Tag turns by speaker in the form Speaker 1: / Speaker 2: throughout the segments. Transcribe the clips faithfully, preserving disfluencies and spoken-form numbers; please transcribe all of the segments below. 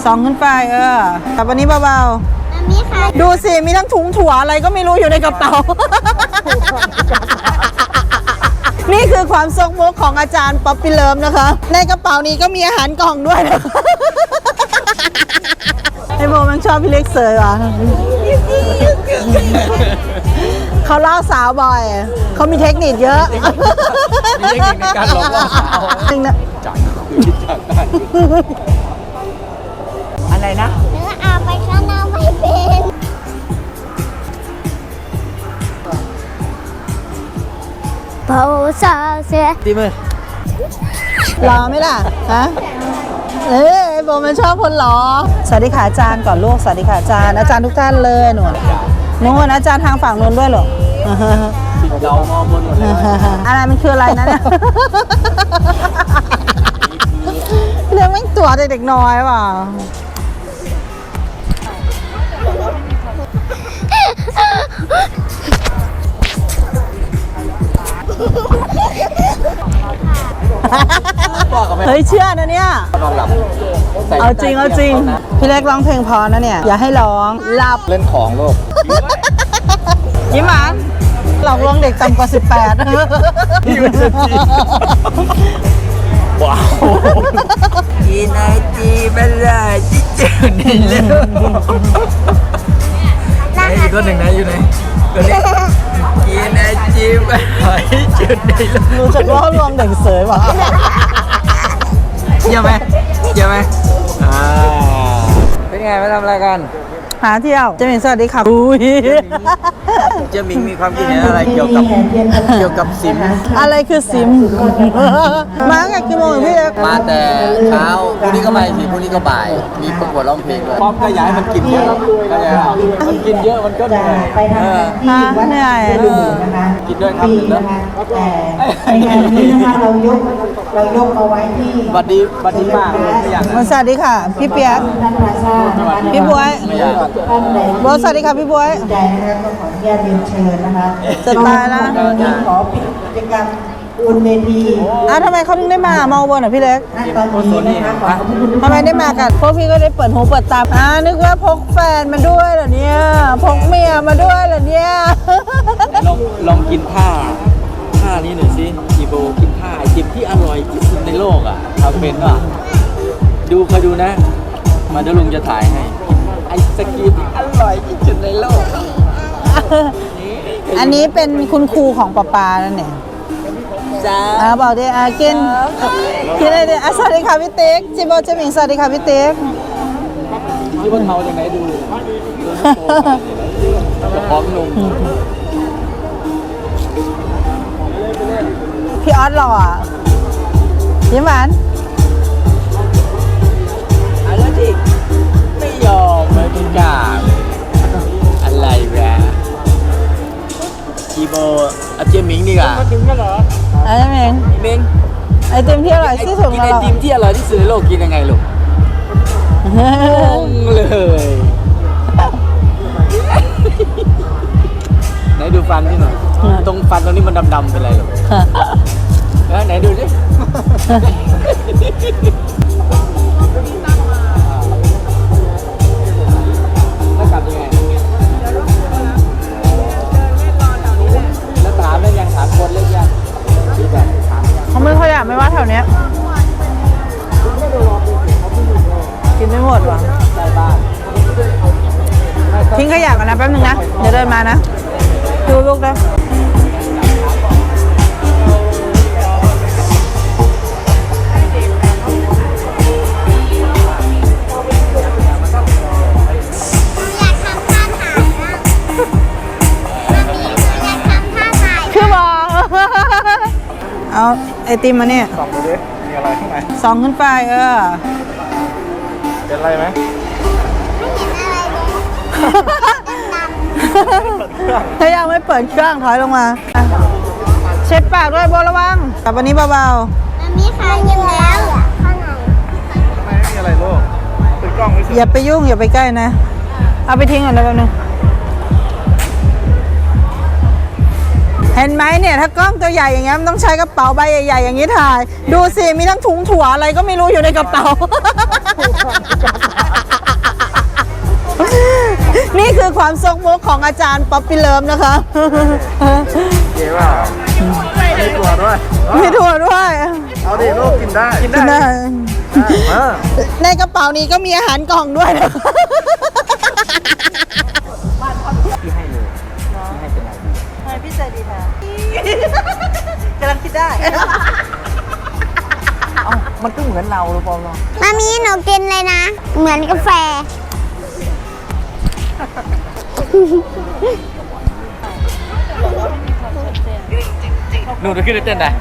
Speaker 1: สองขึ้นไปเออแต่วันนี้เบาๆดูสิมีทั้งถุงถั่วอะไรก็ไม่รู้อยู่ในกระเป๋า นี่คือความทรงมุกของอาจารย์ป๊อปปี้เลิฟนะคะในกระเป๋านี้ก็มีอาหารกล่องด้วยนะ ไอโบมันชอบพี่เล็กเสยว่ะ เขาล่อสาวบ่อยเขามีเทคนิคเยอะ
Speaker 2: มีเทคนิคในการหลอกล่อสาวจริงนะจัดจัดได้อะไรนะ
Speaker 3: เนื้ออาไปข้างหน้าไม่เป็นเบาซาเสีย
Speaker 2: ตีมือ
Speaker 1: รอไหมล่ะฮะเอ้ยไอโบมันชอบคนหรอสวัสดีค่ะอาจารย์ก่อนลูกสวัสดีค่ะอาจารย์อาจารย์ทุกท่านเลยหนูหนูอาจารย์ทางฝั่งนู้นด้วยหรอ
Speaker 2: เรามองบนหมดเลย
Speaker 1: อะไรมันคืออะไรนะเนี่ยเรื่องแม่งตัวเด็กน้อยว่ะเฮ้ยเชื่อนะเนี่ยเอาจริงเอาจริงพี่เล็กร้องเพลงพอนะเนี่ยอย่าให้ร้องหลับ
Speaker 2: เล่นของโลก
Speaker 1: ยิ้มหวานหลอกลวงเด็กต่ำกว่าสิบแปด
Speaker 2: พี่เป็นจีว้าวกินไอจีไม่ได้ที่เจอนี่เลยอีกคนหนึ่งนะอยู่ไหนตัวนี้กินไอจีไม่ได้เจอนี่เลย
Speaker 1: รู้จักว่าลวงเด็กเสยป่ะ
Speaker 2: เยี่ยมไหมเยี่ยมไหมอ่าเป็นไงมาทำอะไรกัน
Speaker 1: หาเที่ยวเจมิงสวัสดีค่ะอุ้ย
Speaker 2: เจมิงมีความคิดเห็นอะไรเกี่ยวกับเกี่ยวกับซิม
Speaker 1: อะไรคือซิมมาตั้งแต่กี่โมงพี่เล็ก
Speaker 2: มาแต่เช้าพรุ่งนี้ก็บ่ายสิพรุ่งนี้ก็บ่ายมีประกวดร้องเพลงด้วยพร้อมก็ย้ายมันกินเยอะก็ย้ายมันกินเยอะมันก็เหนื่อย
Speaker 1: เออฮะเหนื่อย
Speaker 2: กินด้วยครับหนึ่งนะ
Speaker 4: ในงานนี้นะคะเรายกเรายกเอาไว้ที่
Speaker 2: บัดดีบัดดีมากเลยไม่อยาก
Speaker 1: สวัสดีค่ะพี่เปียกพี่บวยบวยสวัสดีค่ะพี่บวย
Speaker 4: ใจนะคะก็ขออนุญาตเรียนเชิญนะคะ
Speaker 1: จะตายแล้ว
Speaker 4: ขอปิดกิจกรรมบนเวที
Speaker 1: อ่ะทำไมเขาถึงได้มามาบนอ่ะพี่เล็ก
Speaker 4: ตอนนี้นะคะขอบคุณ
Speaker 1: ทำไมได้มากันพวกพี่ก็ได้เปิดหูเปิดตาอ่านึกว่าพกแฟนมาด้วยเหรอเนี่ยพกเมียมาด้วยเหรอเนี่ย
Speaker 2: ลองลองกินผ้าผ้านี้หน่อยสิอีโบกินผ้าไอติมที่อร่อยที่สุดในโลกอ่ะทำเป็นป่ะดูคอยดูนะมาเดี๋ยวลุงจะถ่ายให้ไอศกรีมที่อร่อยที่สุดในโลก
Speaker 1: อันนี้เป็นคุณครูของปาปานั่นเอง
Speaker 2: จ้า
Speaker 1: อ่าบอกดิอ่ากินกินอะไรดิอ่ะสวัสดีค่ะพี่เต๊กจิโบจิมิงสวัสดีค่ะพี่เต๊ก
Speaker 2: ที่บนเขาอย่างไหนดูพร้อมนม
Speaker 1: พี่ออสหล่ออ่ะยิ้มหวาน
Speaker 2: อะไรที่ไม่ยอมไม่เป็นกล้าอะไรแวะจีโบอาเจมิงดีกว่า
Speaker 1: ถึงกันเหรอไอ้เมง
Speaker 2: เมง
Speaker 1: ไอติมที่อร่อยที่สุด
Speaker 2: กินไอติมที่อร่อยที่สุดในโลกกินยังไงลูกงงเลยไหนดูฟันที่หน่อยตรงฟันตรงนี้มันดำๆเป็นไรลูกไหนดูสิแล้วกลับยังไงแล้วถามได้ยังถามคนเล็กยัง
Speaker 1: เขาไม่ค่อยอยากไม่ว่าแถวเนี้ยกินไม่หมดว่ะทิ้งขยะก่อนนะแป๊บนึงนะเดี๋ยวเดินมานะดูลูกนะเอาไอติมมาเนี่ย
Speaker 2: สองดูดิมีอะไรข้างใน
Speaker 1: สองขึ้นไปเออ
Speaker 2: เป็นอะไรไหม
Speaker 1: ถ้ายังไม่เปิดเครื่องถอยลงมาเช็ดปากด้วยโบระวังแต่วันนี้เบาๆ
Speaker 3: มันมีใครยิงแล้วข้างใน
Speaker 2: ทำไมไม่มีอะไรลูกติดกล้องไม่เสร็จ
Speaker 1: อย่าไปยุ่งอย่าไปใกล้นะเอาไปทิ้งก่อนนะแป๊บนึงเห็นไหมเนี่ยถ้ากล้องตัวใหญ่อย่างเงี้ยมันต้องใช้กระเป๋าใบใหญ่ๆอย่างนี้ถ่ายดูสิมีทั้งถุงถั่วอะไรก็ไม่รู้อยู่ในกระเป๋านี่คือความซกมุกของอาจารย์ป๊อปปี้เลิฟนะคะ
Speaker 5: เก๋ว่ามีตัวด้วย
Speaker 1: มีถั่วด้วย
Speaker 5: เอาดิลูกกินได้ กิน
Speaker 1: กินได้
Speaker 5: เออ
Speaker 1: ในกระเป๋านี้ก็มีอาหารกล่องด้วยนะคะ
Speaker 2: พี่ให้เลยพี่ให้เป็นไรดี
Speaker 1: ทำไมพี่ใจดีคะกำลังคิดได้
Speaker 2: เอ้ามันก็เหมือนเราหรือเปล่าเนาะ
Speaker 3: มามีหนูกินเลยนะ เหมือนกาแฟ
Speaker 2: หนูจะขึ้นเต้นได้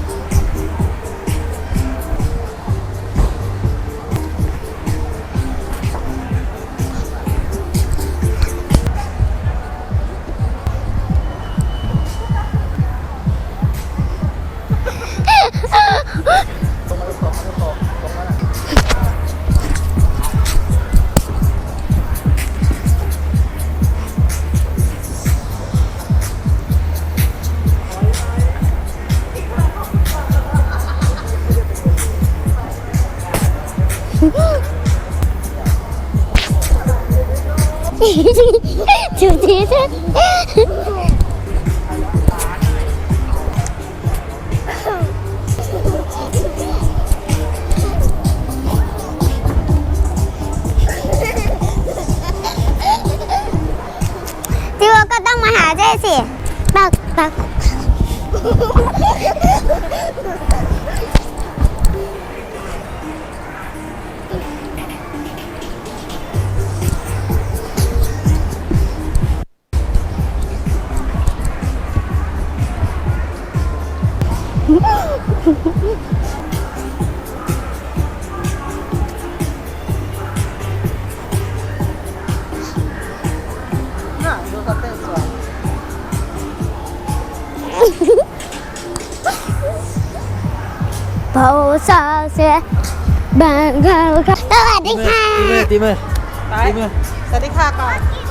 Speaker 3: จูจีจิวก็ต้องมาหาเจ๊สิปักปักโพสเสือบางเกาสวัสดีค่ะ
Speaker 2: ตีมือ
Speaker 1: ไป
Speaker 2: ตีมือ
Speaker 1: สวัสดีค่ะก่อน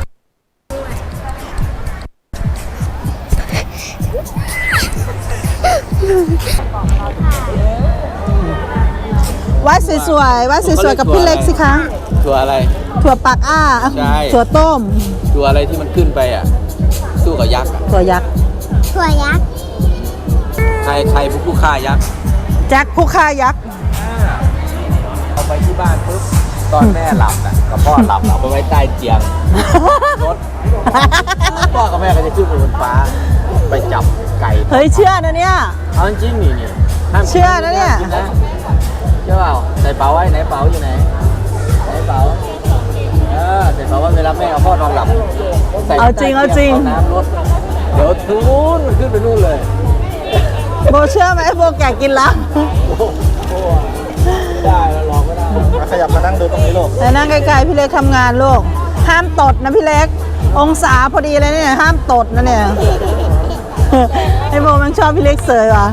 Speaker 1: วัดสวยๆวัดสวยๆกับพี่เล็กสิคะ
Speaker 2: ตัวอะไร
Speaker 1: ถั่วปากอ้า
Speaker 2: ใช่
Speaker 1: ถั่วต้ม
Speaker 2: ตัวอะไรที่มันขึ้นไปอ่ะ สู้กับยักษ์อ่ะ
Speaker 1: ถั่วยักษ์
Speaker 3: ถั่วยักษ์
Speaker 2: ใครใครเป็นผู้ฆ่ายักษ์
Speaker 1: แจ็คผู้ฆ่ายักษ์
Speaker 2: เอาไปที่บ้านปุ๊บตอนแม่หลับน่ะกับพ่อหลับเอาไปไว้ใต้เตียงรถพ่อกับแม่ก็จะขึ้นไปบนฟ้า ไปจับไก่
Speaker 1: เฮ้ยเชื่อนะเนี่ย
Speaker 2: เอาจริงๆนี่นี่ห้ามกิ
Speaker 1: เชื่อนะเนี่ย
Speaker 2: ห้ามกินะเชื่อเปล่าใส่เป๋าไว้ไหนเป๋าอยู่ไหนไหนเป๋าเออใส่เป๋าไว้เวลาแม่เอาพ่อนอนหลับใส่
Speaker 1: เอาจริงเอาจริง
Speaker 2: เอาน้ำรถเดี๋ยวทูนมันขึ้นไปนู่นเลย
Speaker 1: โบเชื่อไหมโบแก่กินละ
Speaker 2: โอ้โหได้แล้วลองไม่ได้
Speaker 5: มาขยับมานั่งดูตรงนี้ลูก
Speaker 1: แต่นั่งไกลๆพี่เล็กทำงานลูก ห้ามตดนะพี่เล็ก องศาพอดีเลยเนี่ย ห้ามตดนะเนี่ย ไอโบมันชอบพี่เล็กเสยว่ะ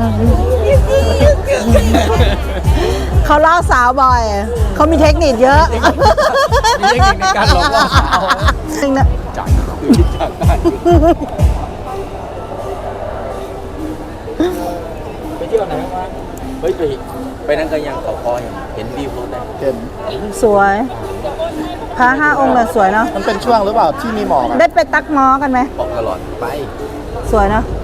Speaker 1: เขาเล่าสาวบ่อย เขามีเทคนิคเยอะ
Speaker 2: มีเทคนิคในการหลอกล่อสาว
Speaker 1: จริงนะ
Speaker 2: จังคือจังได้ไปเที่ยวไหนมาเฮ้ยไปไปนั่นก็ยังเขาคอยังเห็นวิวเขาได้
Speaker 5: เห็น
Speaker 1: สวยพระห้าองค์เนี่ยสวยเนาะ
Speaker 5: มันเป็นช่วงหรือเปล่าที่มีหมอกอะ
Speaker 1: ได้ไปตักม้อกันไหม
Speaker 2: บอกตลอดไป
Speaker 1: สวยเนาะ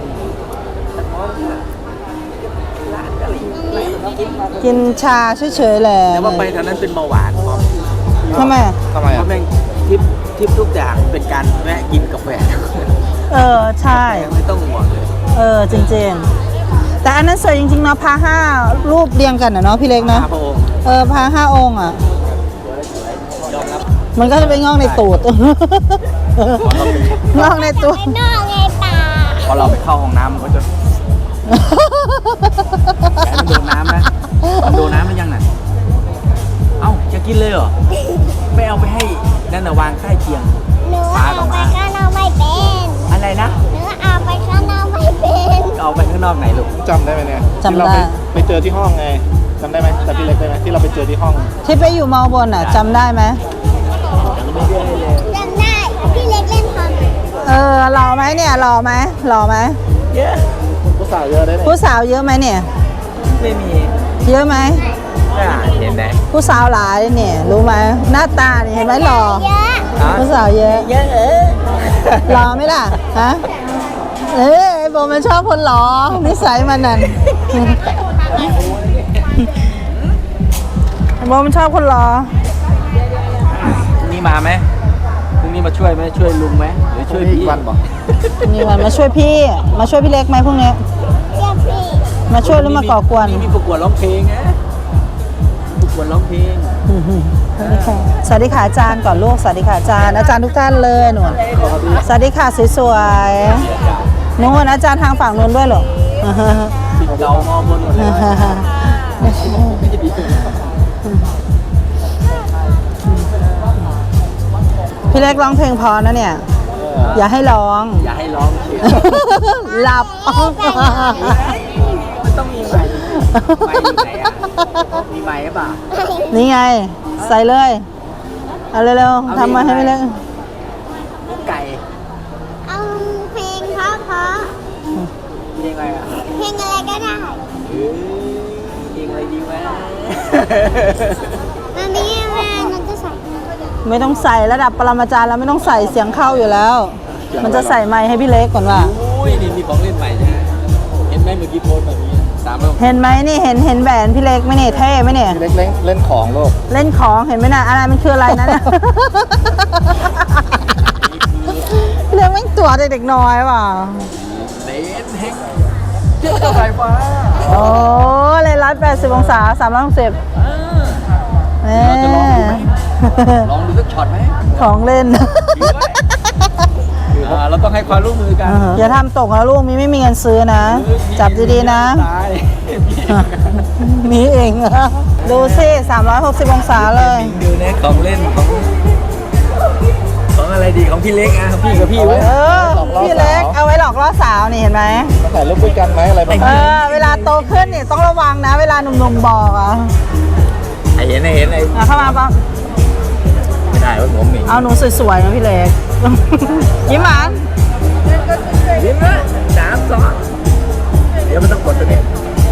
Speaker 1: กินชาเฉยๆแหละ
Speaker 2: แต่ว่าไปทางนั้นเป็นเบาหวานเพราะ
Speaker 1: ทำไม
Speaker 5: ทำไม
Speaker 2: เพ
Speaker 5: อ่ะ
Speaker 2: ราะแม่งทริปทริปทุกอย่างเป็นการแวะกินกาแฟ
Speaker 1: เออ ใช่
Speaker 2: ไม่ต้องห่วงเลย
Speaker 1: เออ จริงๆ แต่อันนั้นสวยจริงๆเนาะพระห้ารูปเรียงกันอะเนาะพี่เล็กเนาะ
Speaker 2: พระองค์
Speaker 1: เออพระห้าองค์อ่ะ
Speaker 2: ยอมรับ
Speaker 1: มันก็จะไปงอกในตูด งอกในตูด
Speaker 3: ไอ้นอกไงป่า
Speaker 2: พอเราไปเข้าห้องน้ำมันก็จะมันโดนน้ำนะมันโดนน้ำมันยังน่ะเอ้าจะกินเลยเหรอไม่เอาไปให้นั่นน่ะวางใต้เตียง
Speaker 3: หนูเอาไปข้างนอกไม่เป็น
Speaker 2: อะไรนะ
Speaker 3: หนูเอาไปข้างนอกไม่เป็น
Speaker 2: เอาไปข้างนอกไหนลูก
Speaker 5: จำได้ไหมเนี่ย
Speaker 1: จำได้
Speaker 5: ที่เราไปไปเจอที่ห้องไงจำได้ไหมแต่พี่เล็กได้ไหมที่เราไปเจอที่ห้อง
Speaker 1: ที่ไปอยู่มอบนอ่ะจำได้ไหม
Speaker 3: จำได้พี่เล็กเล่นคอม
Speaker 1: เออหล่อไหมเนี่ยหล่อไหมหล่อไหม
Speaker 2: เยอะ
Speaker 5: ผู้สาวเยอะได้เนี่ย
Speaker 1: ผู้สาวเยอะไหมเนี่ย
Speaker 2: ไม่มี
Speaker 1: เยอะไหม
Speaker 2: มเห็นไหม
Speaker 1: ผู้สาวหลายเนี่ยรู้ไหมหน้าตาเนี่ยเห็นไหมหล่อผู้สาวเยอะ
Speaker 2: เยอะเออ
Speaker 1: หล่อไหมล่ะฮะเอ้ยไอ้โบมันชอบคนหล่อนิสัยมันนั่นไอ้โบมันชอบคนหล่อ
Speaker 2: พรุ่งนี้มาไหมพรุ่งนี้มาช่วยไหมช่วยลุงไหมหรือช่วยพี่
Speaker 5: วันบอก
Speaker 1: นี่วันมาช่วยพี่ มาช่วยพี่เล็กไหมพวกนี้มาช่วยหรือมาก่อกวน
Speaker 2: มีประกวดร้องเพลงนะประกวดร้องเพลง
Speaker 1: สวัสดีค่ะอาจารย์ก่อนลูกสวัสดีค่ะอาจารย์อาจารย์ทุกท่านเลยหนูสวัสดีค่ะสวยๆนู้นอาจารย์ทางฝั่งนู้นด้วยเหรอ
Speaker 2: เรามองบนหมดเลย
Speaker 1: พี่เล็กร้องเพลงพอนะเนี่ย อย่าให้ร้อง
Speaker 2: อย่าให้ร้องเชียว
Speaker 1: หลับ
Speaker 2: มันต้องมีไมค์ไมค์อยู่ไหนอ่ะมีไมค์หรือเปล่า
Speaker 1: นี่ไง ใส่เลย เอาเร็วๆทำมาให้พี่เล็ก
Speaker 2: ไก่
Speaker 3: เอาเพลงเพราะเพราะ
Speaker 2: เพลงอะไรอ่ะ
Speaker 3: เพลงอะไรก็ได้
Speaker 2: เออเพลงอะไรดีวะ
Speaker 3: มันนี้แม่มันจะใส่
Speaker 1: ไม่ต้องใส่ระดับปรมาจารย์แล้วไม่ต้องใส่เสียงเข้าอยู่แล้ว มันจะใส่ไมค์ให้พี่เล็กก่อนว่า
Speaker 2: อุ้ยนี่มีของเล่นใหม่ใช่ไหมเห็นไหมเมื่อกี้โพสต์แบบนี้สามร้อย
Speaker 1: เห็นไหมนี่เห็นเห็นแหวนพี่เล็กไหมเนี่ยเท่ไหมเนี่ย
Speaker 5: พี่เล็กเล่นเล่นของลูก
Speaker 1: เล่นของเห็นไหมนะอะไรมันคืออะไรนะเนี่ย พี่เล็กไม่งตัวเด็กๆน้อยว่ะ
Speaker 2: เลนเฮกเจ้าไฟฟ้า
Speaker 1: โอ้เลยร้อยแปดสิบองศาสามร้อยหกสิบ
Speaker 2: เราจะลองดูไหมลองดูสักช็อตไหม
Speaker 1: ของเล่น
Speaker 2: อ่าเราต้องให้ความร่วมมือกัน
Speaker 1: อย่าทำตกนะลูกมีไม่มีเงินซื้อนะ จับดีๆนะ
Speaker 2: ตาย
Speaker 1: มีเอง ดูสิสามร้อยหกสิบองศาเลย
Speaker 2: ดูนะของเล่นของของอะไรดีของพี่เล็กอ่ะพี่กับพี่เว้ย
Speaker 1: เออ พี่เล็กเอาไว้หลอกล่อสาวนี่เห็นไหม
Speaker 5: มาถ่ายรูปด้วยกันไหมอะไรประมาณ
Speaker 1: เอ
Speaker 5: นี้
Speaker 1: อ เวลาโตขึ้นนี่ต้องระวังนะ เวลาหนุ่มๆบอกอ่ะ
Speaker 2: ไอเห็นไอเห็นไอ
Speaker 1: อ่ะเข้ามาปั๊บ
Speaker 2: ไม่ได้ว่าหัวหมิ่น
Speaker 1: เอาหนูสวยๆนะพี่เล็ก ยิ้มหวาน
Speaker 2: ยิ้มนะสามสองเดี๋ยวมันต้องกดตัวนี้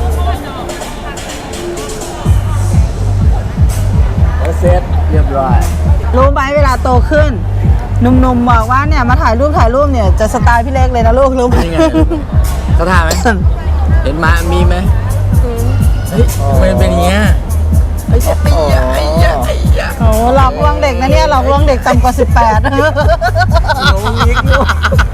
Speaker 2: โอเสร็จเรียบร้อย
Speaker 1: รู้ไหมเวลาโตขึ้นหนุ่มๆบอกว่าเนี่ยมาถ่ายรูปถ่ายรูปเนี่ยจะสไตล์พี่เล็กเลยนะลูกรู้ไหม
Speaker 2: นี่ไงเขาท่าไหมเห็นมามีไหมเฮ้ยทำไมมันเป็นอย่างเงี้ยไอ้ไอ้ยะไอ้ยะไอ้ยะ
Speaker 1: โอ้หลอกลวงเด็กนะเนี่ยหลอกลวงเด็กต่ำกว่าสิบแปด
Speaker 2: น้องยิกลูก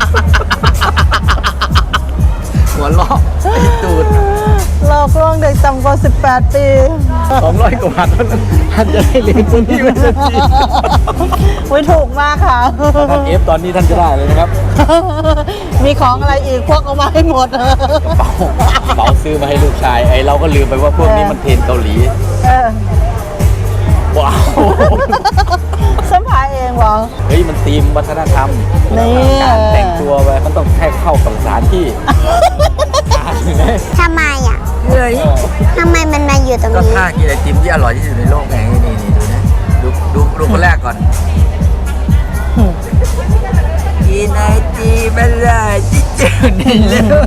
Speaker 2: หัวล้อไอ้ตูด
Speaker 1: หลอกลวงเด็กต่ำกว่าสิบแปดปี
Speaker 2: สองร้อยกว่าบาทเท่านั้นท่านจะได้เรียนคนที่ไม่ได้ที
Speaker 1: อุ้ยถูกมากค่ะ
Speaker 2: ท่านเอฟตอนนี้ท่านจะได้เลยนะครับ
Speaker 1: มีของอะไรอีกพวกเอามาให้หมด
Speaker 2: เป๋าซื้อมาให้ลูกชายไอ้เราก็ลืมไปว่าพวกนี้มันเทรนเกาหลี
Speaker 1: เออ
Speaker 2: ว้าว
Speaker 1: สัมภาษณ์เองวะ
Speaker 2: เฮ้ยมันธีมวัฒนธรรม
Speaker 1: นี่
Speaker 2: การแต่งตัวไปมันต้องแค่เข้ากับสถานที่อ่านไหม
Speaker 3: ทำไมอ่ะ
Speaker 2: เฮ้ย
Speaker 3: ทำไมมันมาอยู่ตรง
Speaker 2: ก็
Speaker 3: นี้
Speaker 2: ท่ากินไอติมที่อร่อยที่สุดในโลกไงนี่นี่ดูนะดูดูดูคนแรกก่อนกินไอติมไม่ได้ที่เจอในโลก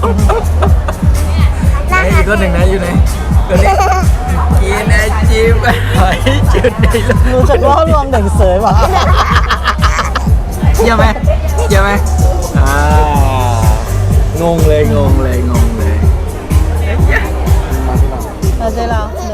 Speaker 2: ไอ้อีกคนหนึ่งนะอยู่ไหนคนนี้กินไอติมไม่ได้ที่เจอในโลก
Speaker 1: รู้จักล่อลวงเด็กเสยว่ะ
Speaker 2: เยี่ยมไหมเยี่ยมไหมอ่างงเลยงงเลยงงเลย
Speaker 1: เราใจเรา